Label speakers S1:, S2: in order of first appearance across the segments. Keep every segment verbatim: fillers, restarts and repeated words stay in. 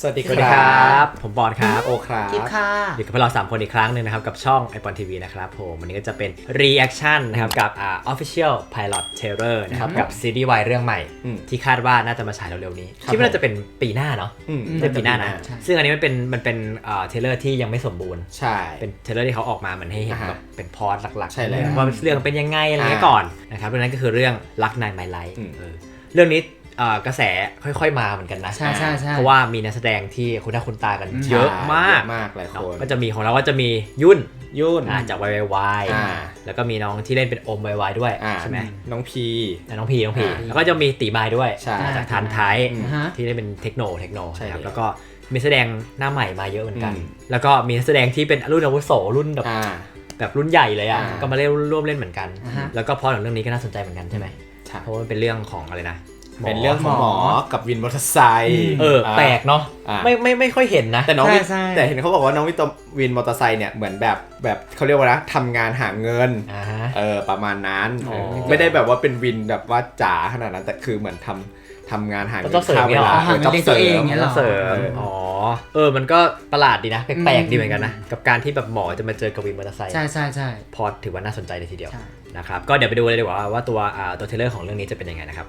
S1: สวัสดี
S2: สวัสดีครับผมบอลครับ
S1: โอครับ
S3: กิ๊บค่ะ
S2: อยู่กับพวกเราสามคนอีกครั้งหนึ่งนะครับกับช่อง ไอ พี โอ เอ็น ที วี นะครับผมวันนี้ก็จะเป็น reaction นะครับกับอ่า official pilot trailer นะครับกับซีรีส์วายเรื่องใหม่ที่คาดว่าน่าจะมาฉายเร็วๆนี้คิดว่าน่าจะเป็นปีหน้าเนาะเป็นปีหน้านะซึ่งอันนี้มันเป็นมันเป็นอ่าเทเลอร์ที่ยังไม่สมบูรณ์
S1: ใช่
S2: เป็นเทเลอร์ที่เขาออกมาเหมือนให้เห็นแบบเป็นพอร์ตหลักๆ
S1: ใช่แล้ว
S2: ว่าเรื่องเป็นยังไงอะไรเงี้ยก่อนนะครับเรื่องนั้นก็คือเรื่องรักนายไมไลท์เรื่องนี้กระแสค่อยๆมาเหมือนกันนะ
S3: ใช่ใช่ใช่
S2: เพราะว่ามีนักแสดงที่คุณหน้าคุณตากันเยอะมาก
S1: มากหลายคน
S2: ก็จะมีของเราก็จะมียุ่น
S1: ยุ่น
S2: จากวายวายแล้วก็มีน้องที่เล่นเป็นอมวายวายด้วยใช่ไหม
S1: น้องพี
S2: น้องพีน้องพีแล้วก็จะมีตีไม้ด้วยจากทานไทยที่ได้เป็นเทคโนเทคโนครับแล้วก็มีแสดงหน้าใหม่มาเยอะเหมือนกันแล้วก็มีนักแสดงที่เป็นรุ่นอาวุโสรุ่นแบบแบบรุ่นใหญ่เลยอ่ะก็มาเล่นร่วมเล่นเหมือนกันแล้วก็พอหลังเรื่องนี้ก็น่าสนใจเหมือนกันใช่ไหมเพราะว่าเป็นเรื่องของอะไรนะ
S1: เป็นเรื่องของหมอกับวินมอเตอร์ไซค์
S2: เออแปลกเนาะไม่ไม่ไม่ค่อยเห็นนะ
S1: แต่น้องแต่เห็นเขาบอกว่าน้องวินมอเตอร์ไซค์เนี่ยเหมือนแบบแบบเขาเรียกว่านะทำงานหาเงินเออประมาณนั้นไม่ได้แบบว่าเป็นวินแบบว่าจ๋าขนาดนั้นแต่คือเหมือนทำทำงานหาเงิน
S2: ค่าเวลา
S3: จ็อบเสริม
S2: จ็อบเสริมอ๋อเออมันก็ประหลาดดีนะแปลกๆดีเหมือนกันนะกับการที่แบบหมอจะมาเจอกับวินมอเตอร์ไซค์
S3: ใช่ใช่ใช่
S2: พอถือว่าน่าสนใจเลยทีเดียวนะครับก็เดี๋ยวไปดูเลยดีกว่าว่าตัวตัวเทเลอร์ของเรื่องนี้จะเป็นยังไงนะครับ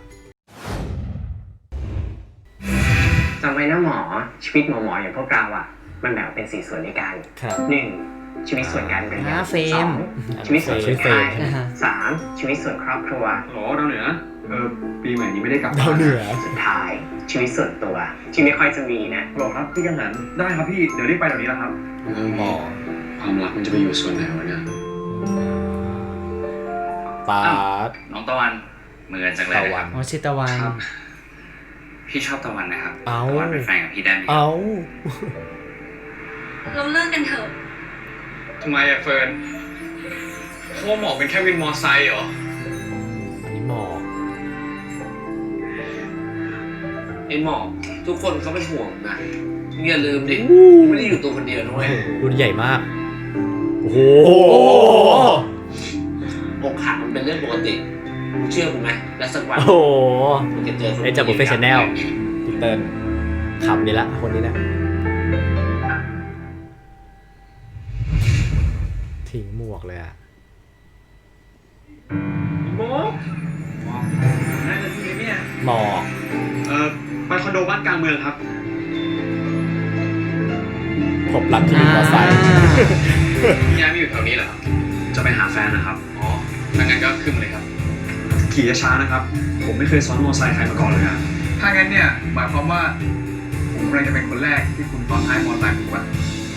S4: จำไว้นะหมอชีวิตหมอหมออย่างพวกเราอ่ะมันแบ่งเป็นสี่ส่วนด้วยกันหนึ่งชีวิตส่วนการเรียนสองชีวิตส่วนชีวิตสามชีวิตส่วนครอบครัว
S5: โหดาวเหนือเออปีใหม่นี้ไม่ได้กลับ
S1: ดาวเหนือ
S4: สุดท้ายชีวิตส่วนตัวที่ไม่ค่อยจะมีนะ
S5: บอกครับพี่กันหันได้ครับพี่เดี๋ยวรีบไปเดี๋ยวนี้แล้วครับ
S1: หมอ
S5: ความรักมันจะไปอยู่ส่วนไหนวะเนี่ย
S1: ปาด
S6: น้องตะวันเหมือนจังเลยครับ
S3: อ๋อชิตะวัน
S6: พี่ชอบตะวันนะครับ
S1: ตะ
S6: วันเป็นแฟนกับพี่ได้ไหม
S1: เอา
S7: เราเลิกกันเถอะ
S5: ทำไมอะเฟิร์นเพราะหมอเป็นแค่วินมอไซค์เหรอ
S2: อันนี้หมอ
S6: ไอ้หมอทุกคนเขาเป็นห่วงนะอย่าลืมดิไม่ได้อยู่ตัวคนเดียวด้วย
S2: รุ่นใหญ่มากโอ้โห
S6: อกหักมันเป็นเรื่องปกติเชื่อกูไหมและสักวัน
S2: โอ้โห
S6: มึงจะเจอคน
S2: ไอ้จากบุฟเฟ่ชาแนลพี่เติ้ลขำนี่ละคนนี้นะทิ้งหมวกเลยอะ
S5: หมอได้เลยที่เนี่ย
S2: หมอ
S5: เอ่อไปคอนโดบ้านกลางเมืองครับ
S1: พบรักที่วินมอเตอร์ไซค์
S5: ย้ายมาอยู่แถวนี้เหรอครับจะไปหาแฟนนะครับอ๋อถ้างั้นก็ขึ้นเลยครับขี่ช้านะครับผมไม่เคยซ้อนมอเตอร์ไซค์ใครมาก่อนเลยนะถ้างั้นเนี่ยหมายความว่าผมกำลังจะเป็นคนแรกที่คุณซ้อนท้ายมอเตอร์ไซค์ถูกป่ะ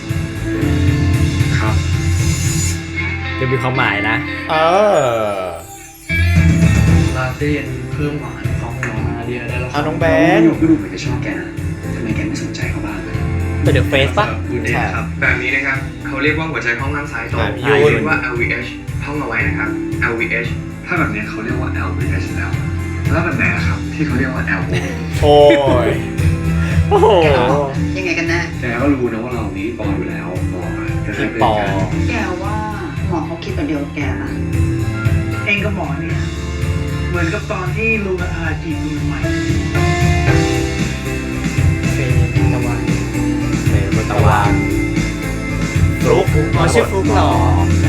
S5: ครับ
S2: จะมีความหมายนะ
S1: เออ
S5: ลาเต้นเพิ่มหวานของน้องอาเรียได้แล้ว
S1: เอาน้องแบงค์
S5: ก็ดูเหมือนจะชอบแกนะทำไมแกไม่สนใจเขาบ้างเลย
S2: ตัวเดอะเฟสป่ะ
S5: ใช่ครับแบบนี้นะครับเขาเรียกว่าหัวใจห้องด้านซ้ายตรงเรียกว่า แอล วี เอช ท่องเอาไว้นะครับ แอล วี เอช ถ้าแบบนี้เขาเรียกว่า แอล วี เอช แล้วแล้วแบบไหนครับที่เขาเรียกว่า แอล โอ
S1: โอ้ย
S2: โอ้โห
S7: ยังไงกันแน่
S5: แกก็รู้นะว่าเรานี้ปออยู่แล้วปอ
S2: พี่ปอ
S7: แกว่าหมอเขาคิดแบบเดียวกับแกนะเองกับหมอเนี่ยเหมือนกับตอนที่ลูกอาจีบใหม่
S2: เฟนตะวันเฟนตะวันฟลุ๊ก
S3: อ๋อชื่อฟลุ๊กหรอ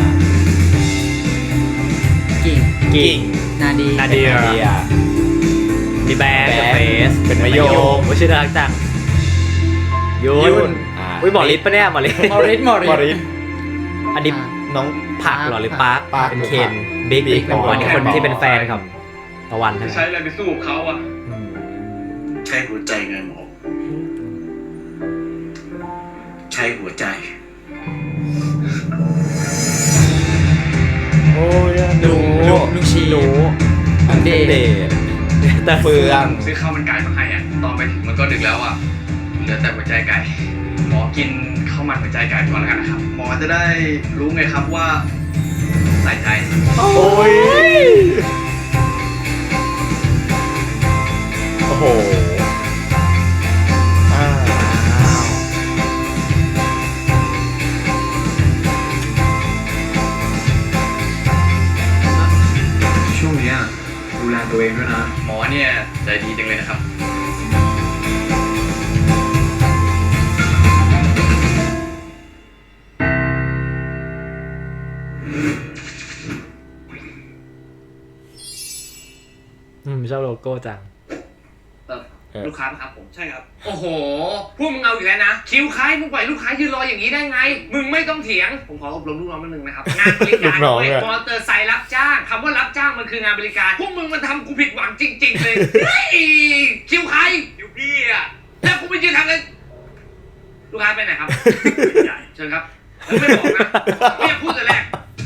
S3: กิ่ง
S2: กิ่ง
S3: นาดี
S2: นาเดียมีแบงค์เฟส
S1: เป็นมะยม
S2: ว่าชื่อน่ารักจังยุ่นอุ้ยหมอฤทธิ์ปะเนี่ยหมอฤทธิ์
S3: หมอฤทธิ์หมอฤทธิ์
S2: อันนี้น้องผักหรอหรือปาร์คเป็นเคนบิ๊กบิ๊กเป็นคนคนที่เป็นแฟนครับตะวัน
S5: ใช้อะไรไปสู้เขาอ่ะ
S6: ใช้หัวใจไงหมอใช้หัวใจ
S1: โอ้ย
S3: หนูลูกชี
S2: หนู
S3: อันเด
S2: ทแต่เฟือง
S5: ซื้อข้าวมันไก่มาให้อ่ะตอนไปถึงมันก็ดึกแล้วอ่ะเหลือแต่หัวใจไก่หมอกินข้าวมันหัวใจไก่ก่อนแล้วกันนะครับหมอจะได้รู้ไงครับว่าใส่ใจ
S1: โอ้ยโอ้โห
S5: ช่วงนี้ดูแลตัวเองด้วยนะหมอเนี่ยใจดีจังเลยนะครับ
S2: อืมชอบโลโก้จัง
S6: ลูกค้าครับผมใช่ครับโอ้โหพวกมึงเอาอีกแล้วนะคิวใครมึงปล่อยลูกค้ายืนรออย่างนี้ได้ไงมึงไม่ต้องเถียงผมขออบรมลูกน้องนิดนึงนะครับงานบริการด้วยมอเตอร์ไซค์รับจ้างคำว่ารับจ้างมันคืองานบริการพวกมึงมันทำกูผิดหวังจริงๆเลยเฮ้ยคิวใครคิวพี่อะแล้วกูไปยืนทำเลยลูกค้าไปไหนครับเชิญครับผมไม่บอกนะไม่อยากพูดแต่แรก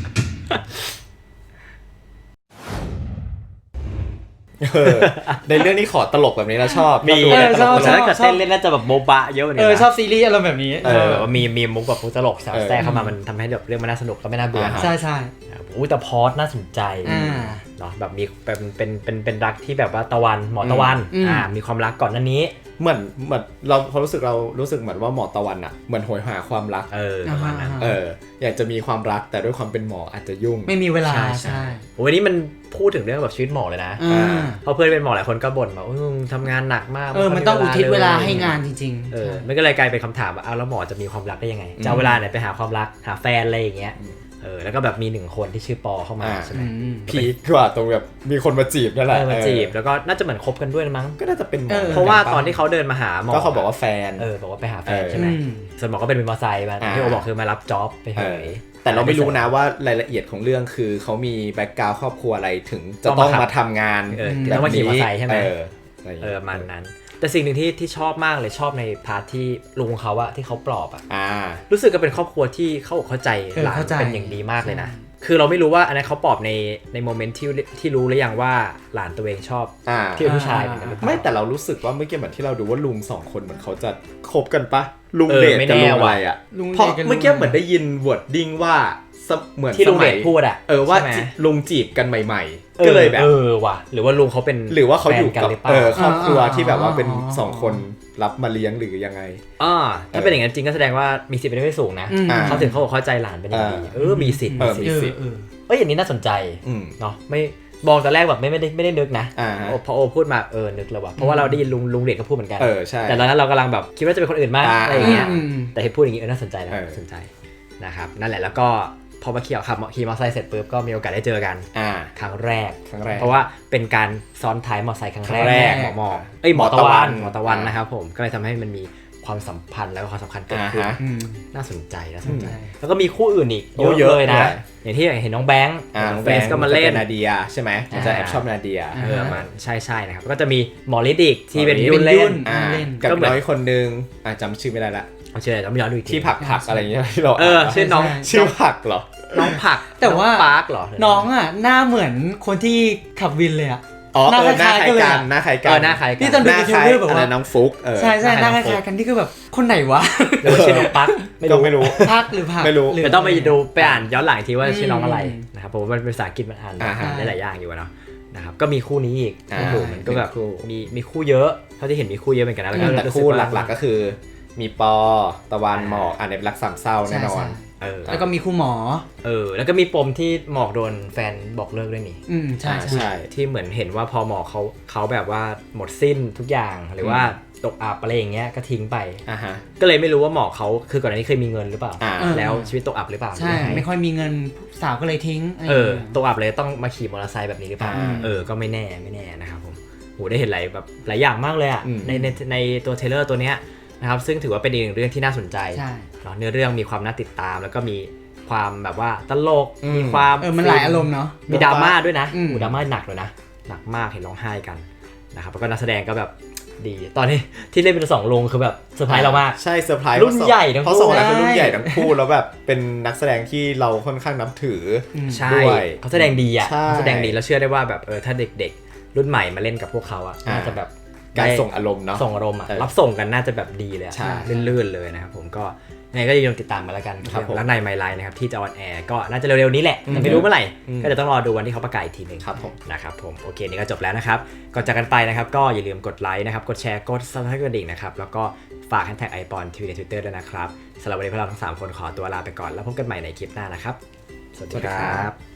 S1: ในเรื่องนี้ขอตลกแบบนี้แล้วชอบ
S2: มีชอบชอบเต้นเล่นน่าจะแบบโมบะเยอะเนี่ย
S3: เออชอบซีรีส์อารมณ์แบบนี้
S2: เออมีมีมุกแบบมุกตลกแทรกเข้ามามันทำให้แบบเรื่องมันน่าสนุกก็ไม่น่าเบื่อ
S3: ใช่ใช่
S2: อู้แต่พอดน่าสนใจเนาะแบบมีเป็นเป็นเป็นเป็นรักที่แบบว่าตะวันหมอตะวันอ่ามีความรักก่อนหน้านี้
S1: เหมือนเหมือนเราพอรู้สึกเรารู้สึกเหมือนว่าหมอตะวันอ่ะเหมือนโหยหาความรัก
S2: เออประมาณนั้น
S1: เอออยากจะมีความรักแต่ด้วยความเป็นหมออาจจะยุ่ง
S3: ไม่มีเวลาใช่
S2: โอ้ยนี่มันพูดถึงเรื่องแบบชีวิตหมอเลยนะเพราะเพื่อนเป็นหมอหลายคนก็บ่นแบบทำงานหนักมาก
S3: เออมันต้องอุทิศเวลาให้งานจริง
S2: ๆเออมันก็เลยกลายเป็นคำถามว่าเอาแล้วหมอจะมีความรักได้ยังไงจะเอาเวลาไหนไปหาความรักหาแฟนอะไรอย่างเงี้ยเออแล้วก็แบบมีหนึ่งคนที่ชื่อปอเข้ามาใช่ไหม
S1: พีคกว่าตรงแบบมีคนมาจีบนั่นแหละ
S2: มาจีบแล้วก็น่าจะเหมือนคบกันด้วยมั้ง
S1: ก็น่าจะเป็นหมอ
S2: เพราะว่าตอนที่เขาเดินมาหาหมอ
S1: ก็เขาบอกว่าแฟน
S2: เออบอกว่าไปหาแฟนใช่ไหมส่วนหมอก็เป็นวินมอเตอร์ไซค์มาที่โอบอกคือมารับจ็อบไปเฉย
S1: แต่เราไม่รู้นะว่ารายละเอียดของเรื่องคือเขามีแบ็คกราวด์ครอบครัวอะไรถึงจะต้องมาทำงาน
S2: แบบนี้ต้องมาขี่มอเตอร์ไซค์ใช่ไหม
S1: เออ
S2: เออมันนั้นแต่สิ่งหนึ่งที่ที่ชอบมากเลยชอบในพาร์ทที่ลุงเขาอะที่เขาปลอบอะรู้สึกก็เป็นครอบครัวที่เขาเข้าใจหลานเป็นอย่างดีมากเลยนะคือเราไม่รู้ว่าอันนั้นเขาปลอบในในโมเมนต์ที่ที่รู้หรือยังว่าหลานตัวเองชอบที่เป็นผู้ชายเหมือนกัน
S1: ไม่แต่เรารู้สึกว่าเมื่อกี้เหมือนที่เราดูว่าลุงสองคนเหมือนเขาจะคบกันปะลุงเดทกับลุงอะไรอะเพราะเมื่อกี้เหมือนได้ยินวอร์ดดิ้งว่าเหมือน
S2: ที่ลุงเดชพูดอะ
S1: เออว่าลุงจีบกันใหม่ๆก็เลยแบบ
S2: เออว่ะหรือว่าลุงเขาเป็น
S1: หรือว่าเขาอยู่กับเออครอบครัวที่แบบว่าเป็นสองคนรับมาเลี้ยงหรือยังไง
S2: อ่าถ้าเป็นอย่างนั้นจริงก็แสดงว่ามีสิทธิ์เป็นได้ไม่สูงนะเขาถึงเขาบอกเข้าใจหลานเป็นอย่างดีเออมีสิทธิ์
S1: มีสิทธิ์
S2: เอ้ยอย่างนี้น่าสนใจเนาะไม่บอกตอนแรกแบบไม่ไม่ได้ไม่ได้นึกนะพอโอพูดมาเออนึกเลยว่ะเพราะว่าเราได้ยินลุงลุงเด็กก็พูดเหมือนกันแต่ตอนนั้นเรากำลังแบบคิดว่าจะเป็นคนอื่นมากอะไรอย่างเงี้ยแต่พูดอย่างนี้เออน่าสนใจนะน่าสนใจนะครับนั่นแหละแล้วก็พอมาขี่ขับขี่มอเตอร์ไซค์เสร็จปุ๊บก็มีโอกาสได้เจอกันครั้งแรก
S1: ครั้งแรก
S2: เพราะว่าเป็นการซ้อนท้ายมอเตอร์ไซค์ครั้งแรกหมอหมอเอ้ยหมอตะวันหมอตะวันนะครับผมก็เลยทำให้มันมีความสัมพันธ์แล้วก็ความสำคัญเกิดขึ้นน่าสนใจน่าสนใจแล้วก็มีคู่อื่นอีกเยอะเลยนะอย่างที่เห็นน้องแบงค์น้องเฟสก็มาเล่น
S1: นาเดียใช่ไหมจะแอบชอบนาเดีย
S2: เออมันใช่ใช่นะครับก็จะมีหมอฤทธิ์อีกที่เป็นยุ่นเล่น
S1: กับน้อยคนนึงจำชื่อไม่ได้ละ
S2: เอาชื่ออะไรจำไม่ได้ดูอีก
S1: ที่ผักผักอะไรอย่างเงี้ยที่เรา
S2: เออชื่อน้อง
S1: ชื่อผักเหรอ
S2: น้องผัก
S3: แต่ว่า
S2: ปาร์คเหรอ
S3: น้องอ่ะหน้าเหมือนคนที่ขับวินเลยอ่ะ
S1: อ๋อหน้าคล้ายกันหน้าคล้ายกัน
S2: หน้าคล้ายกัน
S3: ที่ตอนดูยูทูบแบบว่า
S1: น้องฟุกเออ
S3: ใช่ใช่หน้าคล้ายกันที่คือแบบคนไหนวะ
S2: หรือชื่อน้องปัก
S1: ไม่รู้ไม่รู้
S3: พักหรือผัก
S1: ไม่รู้
S2: แต่ต้องไปดูไปอ่านย้อนหลังทีว่าชื่อน้องอะไรนะครับผมมันเป็นภาษาอังกฤษมันอ่านได้หลายอย่างอยู่เนาะนะครับก็มีคู่นี้อีกโอ้โหมันก็แบบมีมีคู่เยอะเท่าที่เห็นมีคู่เยอะเหมือนกันนะแล้วก็
S1: แต่คู่หลักๆก็คือมีปอตะวันหมอกอ่านในรักสามเศร้าแน่นอน
S2: เออ
S3: แล้วก็มีคู่หมอ
S2: เออแล้วก็มีปมที่หมอกโดนแฟนบอกเลิกด้วยนี่
S3: อืมใช่
S2: ใช่ที่เหมือนเห็นว่าพอหมอกเขาเขาแบบว่าหมดสิ้นทุกอย่างหรือว่าตกอับอะไรอย่างเงี้ยก็ทิ้งไป
S1: อ่าฮะ
S2: ก็เลยไม่รู้ว่าหมอกเขาคือก่อนหน้านี้เคยมีเงินหรือเปล่าแล้วชีวิตตกอับหรือเปล่า
S3: ใช่ไม่ค่อยมีเงินสาวก็เลยทิ้ง
S2: เออตกอับเลยต้องมาขี่มอเตอร์ไซค์แบบนี้หรือเปล่าเออก็ไม่แน่ไม่แน่นะครับผมโหได้เห็นหลายแบบหลายอย่างมากเลยอ่ะในในในตัวเทรลเลอร์ตัวเนี้ยนะครับซึ่งถือว่าเป็นอีกหนึ่งเรื่องที่น่าสนใจเนาะเนื้อเรื่องมีความน่าติดตามแล้วก็มีความแบบว่าตลกมีความ
S3: เออมันหลายอารมณ์เนาะ
S2: มีดราม่าด้วยนะอูดราม่าหนักเลยนะหนักมากเห็นร้องไห้กันนะครับแล้วก็นักแสดงก็แบบดีตอนนี้ที่เล่นเป็นสองลุงคือแบบเซอร์ไพรส์เรามาก
S1: ใช่เซอร์ไพรส์
S2: รุ่นใหญ่ทั้งคู่
S1: เพราะสองคนคือรุ่นใหญ่ทั้งคู่แล้วแบบเป็นนักแสดงที่เราค่อนข้างนับถือ
S2: ด้วยเขาแสดงดีอ่ะแสดงดีแล้วเชื่อได้ว่าแบบเออถ้าเด็กๆรุ่นใหม่มาเล่นกับพวกเขาอ่ะน่าจะแบบ
S1: การส่งอารมณ์เนาะ
S2: ส่งอารมณ์อ่ะรับส่งกันน่าจะแบบดีเลยลื่นๆเลยนะครับผมก็ยังไงก็อย่าลืมติดตามมาแล้วกันแล้วในไมล์ไลน์นะครับที่จะออนแอร์ก็น่าจะเร็วๆนี้แหละแต่ไม่รู้เมื่อไหร่ก็จะต้องรอดูวันที่เขาประกาศอีกทีนึงนะครับผมโอเคนี่ก็จบแล้วนะครับก่อนจากกันไปนะครับก็อย่าลืมกดไลค์นะครับกดแชร์กดซับสไครบ์กระดิ่งนะครับแล้วก็ฝากแฮชแท็กไอปอนทีวีใน Twitter ด้วยนะครับสำหรับวันนี้พวกเราทั้งสามคนขอตัวลาไปก่อนแล้วพบกันใหม่ในคลิปหน้านะครับสวัสดีครับ